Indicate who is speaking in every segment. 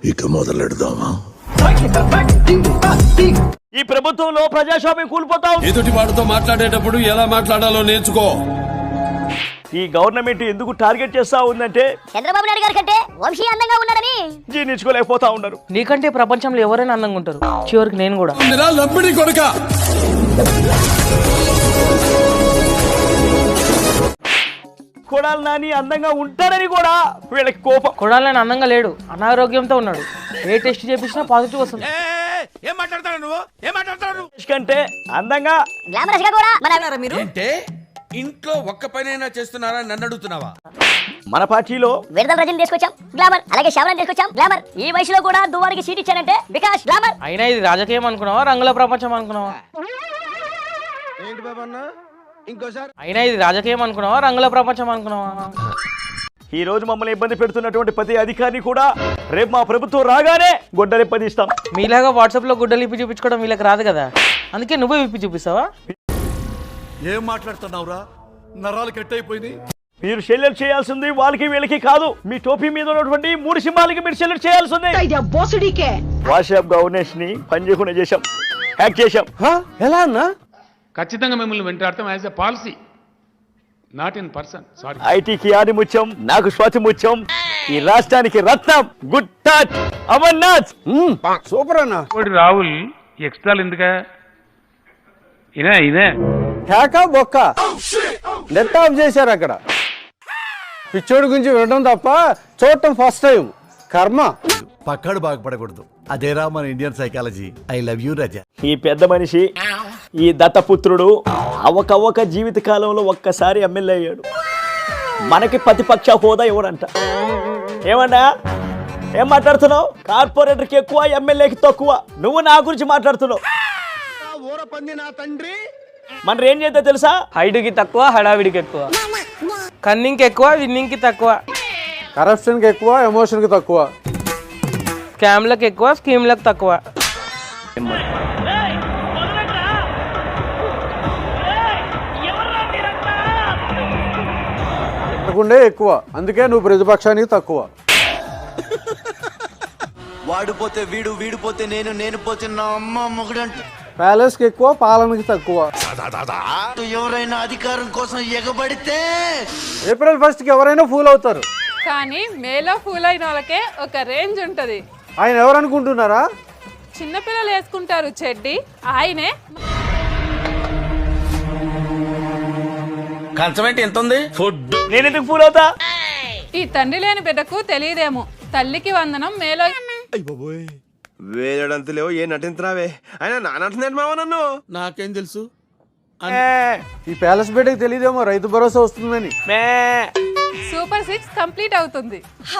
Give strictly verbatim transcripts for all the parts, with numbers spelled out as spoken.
Speaker 1: ఇక మొదలెడదామా?
Speaker 2: ఈ ప్రభుత్వంలో ప్రజాస్వామ్యం కూలిపోతా ఉంది.
Speaker 3: ఎదుటి వాడితో మాట్లాడేటప్పుడు ఎలా మాట్లాడాలో నేర్చుకో.
Speaker 2: ఈ గవర్నమెంట్ ఎందుకు టార్గెట్ చేస్తా ఉందంటే
Speaker 4: చంద్రబాబు నాయుడు గారి కంటే వంశీ అందంగా ఉన్నాడని
Speaker 2: జీర్ణించుకోలేకపోతా ఉన్నారు.
Speaker 5: నీకంటే ప్రపంచంలో ఎవరైనా అందంగా ఉంటారు, చివరికి నేను కూడా.
Speaker 3: లంపిడి కొడుక
Speaker 2: కొడాలి నాని అందంగా ఉంటారని కూడా వీళ్ళకి కోపం.
Speaker 5: కొడాలి నాని అందంగా లేడు, అనారోగ్యంతో ఉన్నాడు. ఏ టెస్ట్ చేపించినా పాజిటివ్ వస్తుంది.
Speaker 6: ఏం మాట్లాడతాడు నువ్వు ఏం మాట్లాడతాడు
Speaker 2: కంటే అందంగా
Speaker 4: గ్లామరస్ గా కూడా మన
Speaker 6: మీరు అంటే ఇంట్లో ఒక్క పనైనా చేస్తున్నారా నన్ను అడుగుతున్నావా?
Speaker 2: మన పార్టీలో
Speaker 4: విడుదల రజని తీసుకొచ్చాం గ్లామర్, అలాగే శ్యామలను తీసుకొచ్చాం గ్లామర్. ఈ వయసులో కూడా దువ్వానికి సీట్ ఇచ్చారంటే బికాస్ గ్లామర్.
Speaker 5: అయినా ఇది రాజకీయం అనుకున్నావా, రంగుల ప్రపంచం అనుకున్నావా?
Speaker 6: ఏంటి బాబన్న ఇంకోసారి
Speaker 5: అయినా ఇది రాజకీయం అనుకున్నావా, రంగుల ప్రపంచం అనుకున్నావా?
Speaker 2: ఈ రోజు మమ్మల్ని ఇబ్బంది పెడుతున్నటువంటి ప్రతి అధికారిని కూడా రేపు మా ప్రభుత్వం రాగానే గొడ్డలిప్పదిస్తాం.
Speaker 5: మీలాగా వాట్సాప్ లో గుడ్డలు ఇప్పి చూపించుకోవడం వీళ్ళకి రాదు కదా, అందుకే నువ్వే విప్పి చూపిస్తావా?
Speaker 1: ఏం మాట్లాడుతున్నావురా? నరాలు కట్ అయిపోయింది.
Speaker 2: మీరు సెల్యూట్ చేయాల్సింది వాళ్ళకి వీళ్ళకి కాదు, మీ టోపీ మీద ఉన్నటువంటి మూడు సింహాలకి మీరు సెల్యూట్ చేయాల్సింది. వాట్సాప్ గవర్నెన్స్ ని పని చేయకుండా చేశాం, హ్యాక్ చేశాం.
Speaker 6: ఎలా అన్నా?
Speaker 7: ఖచ్చితంగా మిమ్మల్ని వెంటాడతాం as a policy, not in person. Sorry.
Speaker 2: ఐటీకి ఆది ముత్యం, నాకు స్వాతి ముత్యం, ఈ రాష్ట్రానికి రత్నం గుడ్ టచ్ అమర్నాథ్.
Speaker 6: సూపర్ అన్న.
Speaker 7: రాహుల్ ఎక్స్ట్రా ఎందుక ఇదే ఇదే
Speaker 6: హ్యాకా బొక్క నెట్ ఆఫ్ చేశారు అక్కడ. పిచ్చోడి గురించి వినడం తప్ప చూడటం ఫస్ట్ టైం. కర్మ.
Speaker 1: పక్కడు బాగుపడకూడదు, అదేరా మన Indian psychology. I love you Raja.
Speaker 2: ఈ పెద్ద మనిషి, ఈ దత్తపుత్రుడు అవకవక జీవిత కాలంలో ఒక్కసారి ఎమ్మెల్యే అయ్యాడు. మనకి ప్రతిపక్ష హోదా ఎవరంట? ఏమన్నా ఏం మాట్లాడుతున్నావు? కార్పొరేటర్కి ఎక్కువ, ఎమ్మెల్యేకి తక్కువ. నువ్వు నా గురించి మాట్లాడుతున్నావు. మన ఏం చేద్దా తెలుసా?
Speaker 5: హైట్కి తక్కువ, హడావిడికి ఎక్కువ, కన్నింగ్కి ఎక్కువ, విన్నింగ్కి తక్కువ,
Speaker 6: కరప్షన్కి ఎక్కువ, ఎమోషన్కి తక్కువ,
Speaker 5: స్కామ్లకు ఎక్కువ, స్కీమ్లకు తక్కువ.
Speaker 6: అనుకుండే ఎక్కువ, అందుకే నువ్వు ప్రతిపక్షానికి తక్కువ.
Speaker 8: వాడిపోతే వీడు, వీడిపోతే నేను, నేను పోతే నా అమ్మ మొగుడంట.
Speaker 6: ప్యాలెస్ కి ఎక్కువ, పాలనకి తక్కువ.
Speaker 8: ఎవరైనా అధికారం కోసం ఎగబడితే
Speaker 6: ఏప్రిల్ ఫస్ట్ కి ఎవరైనా ఫూల్ అవుతారు,
Speaker 9: కానీ మేలో ఫూల్ అయిన వాళ్ళకే ఒక రేంజ్ ఉంటది.
Speaker 6: ఆయన ఎవరు అనుకుంటున్నారా?
Speaker 9: చిన్నపిల్లలు వేసుకుంటారు చెడ్డి, ఆయనే.
Speaker 8: కంచమేంటి ఎంత ఉంది?
Speaker 2: ఫుడ్ నేను ఎందుకు ఫూల్ అవుతా?
Speaker 9: ఈ తండ్రి లేని బిడ్డకు తెలియదేమో తల్లికి వందనం మేలో.
Speaker 8: వేయడంత లేవు ఏ నటించరావే. ఆయన నానంటున్నాడు మావ నన్ను. నాకేం తెలుసు?
Speaker 6: ఈ ప్యాలెస్ బిడ్డకి తెలియదేమో రైతు భరోసా వస్తుందని.
Speaker 9: సూపర్ సిక్స్ కంప్లీట్ అవుతుంది.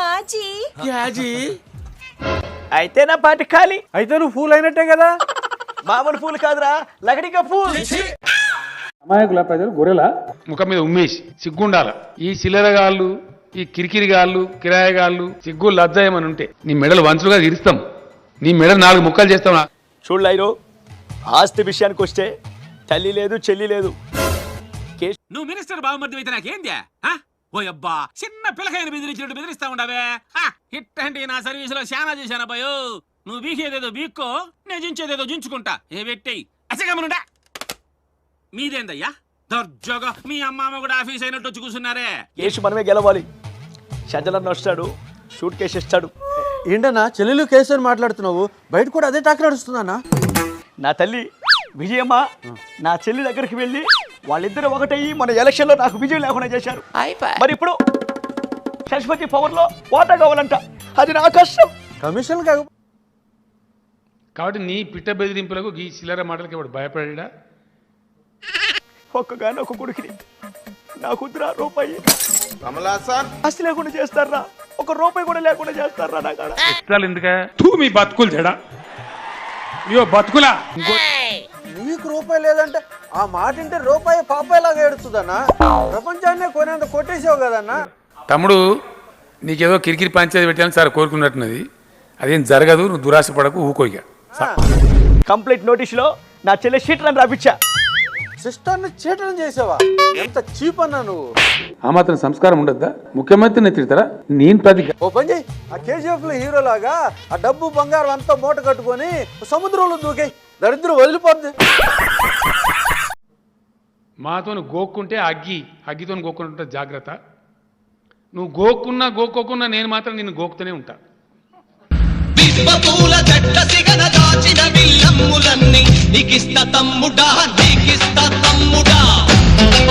Speaker 2: అయితే నా పార్టీ ఖాళీ.
Speaker 6: అయితే నువ్వు ఫూల్ అయినట్టే కదా.
Speaker 2: మామూలు ఫూల్ కాదురా, లకడిగా ఫూల్.
Speaker 7: అమాయకుల ప్రజలు గొర్రెల ముఖం మీద ఉమ్మేసి సిగ్గుండాల. ఈ చిల్లరగాళ్ళు, ఈ కిరికిరిగాళ్ళు, కిరాయగాళ్ళు సిగ్గు లజ్జాయమని ఉంటే నీ మెడలు వంచులుగా ఇరుస్తాం, నీ మెడలు నాలుగు ముక్కలు చేస్తాం.
Speaker 2: చూడలేరు ఆస్తి విషయానికి వస్తే తల్లి లేదు, చెల్లి లేదు.
Speaker 10: నువ్వు మినిస్టర్ బాగుమర్ది అయితే నాకేంద్యా? ఓ అబ్బా, చిన్న పిల్లకాయని బెదిరించినట్టు బెదిరిస్తా ఉండవే. హిట్ అంటే నా సర్వీసులో శానా చేశాను అబ్బాయో. నువ్వు బీకేదేదో బీక్కో, నేను జించేదేదో జించుకుంటా. ఏ పెట్టేయి అసగమనుండా. మీదేందయ్యా దర్జోగా మీ అమ్మ కూడా ఆఫీస్ అయినట్టు వచ్చి కూర్చున్నారే.
Speaker 2: కేసు మనమే గెలవాలి. షజలన్న వస్తాడు, షూట్ కేసు ఇస్తాడు.
Speaker 6: ఏంటన్నా చెల్లెలు కేసు అని మాట్లాడుతున్నావు? బయట కూడా అదే టాక్ నడుస్తుందన్నా.
Speaker 2: నా తల్లి విజయమ్మ నా చెల్లి దగ్గరికి వెళ్ళి వాళ్ళిద్దరు ఒకటయ్యి మన ఎలక్షన్ లో నాకు విజయం లేకుండా చేశారు. మరి ఇప్పుడు సరస్వతి పవర్ లో వాటా కావాలంట, అది నా కష్టం.
Speaker 6: కమిషన్
Speaker 7: కాబట్టి నీ పిట్ట బెదిరింపులకు ఈ చిల్లర మాటలకి వాడు భయపడా?
Speaker 2: ఒక్కగాని ఒక కొడుకుని నా కుదురా రూపాయి ఆస్తి లేకుండా చేస్తారా? ఒక రూపాయి కూడా లేకుండా చేస్తారా? నా కాడ
Speaker 7: ఎక్స్ట్రాలు ఎందుక? తూ మీ బతుకులు తేడా, ఇయో బతుకులా.
Speaker 6: నీకు రూపాయి లేదంటే ఆ మాట అంటే రూపాయి పాపాయిలాగా ఏడుతుందన్నా. ప్రపంచాన్నే కొనేంత కొట్టేసావు కదన్నా.
Speaker 7: తమ్ముడు నీకేదో కిరికిరి పంచాయతీ పెట్టాలని సార్ కోరుకున్నట్టున్నది, అదేం జరగదు. నువ్వు దురాశ పడకు, ఊకోయిగా.
Speaker 2: కంప్లీట్ నోటీసులో నా చెల్లె షీట్ రన్ రాపిచ్చా.
Speaker 6: సిస్టర్ని చీటనం చేసావా? ఎంత చీప్ అన్నా నువ్వు.
Speaker 7: ఆ మాత్రం సంస్కారం ఉండద్దా? ముఖ్యమంత్రిని తిడతారా? నేను ప్రతి
Speaker 6: ఓ పని చెయ్యి, ఆ కేజీఎఫ్ లో హీరో లాగా ఆ డబ్బు బంగారం అంతా మూట కట్టుకొని సముద్రంలో దూకే, దరిద్రం వదిలిపోద్ది.
Speaker 7: మాతో గోక్కుంటే అగ్గి అగ్గితో గోక్కుంటే జాగ్రత్త. నువ్వు గోక్కున్నా గోక్కోకున్నా నేను మాత్రం నిన్ను గోకుతూనే ఉంటా.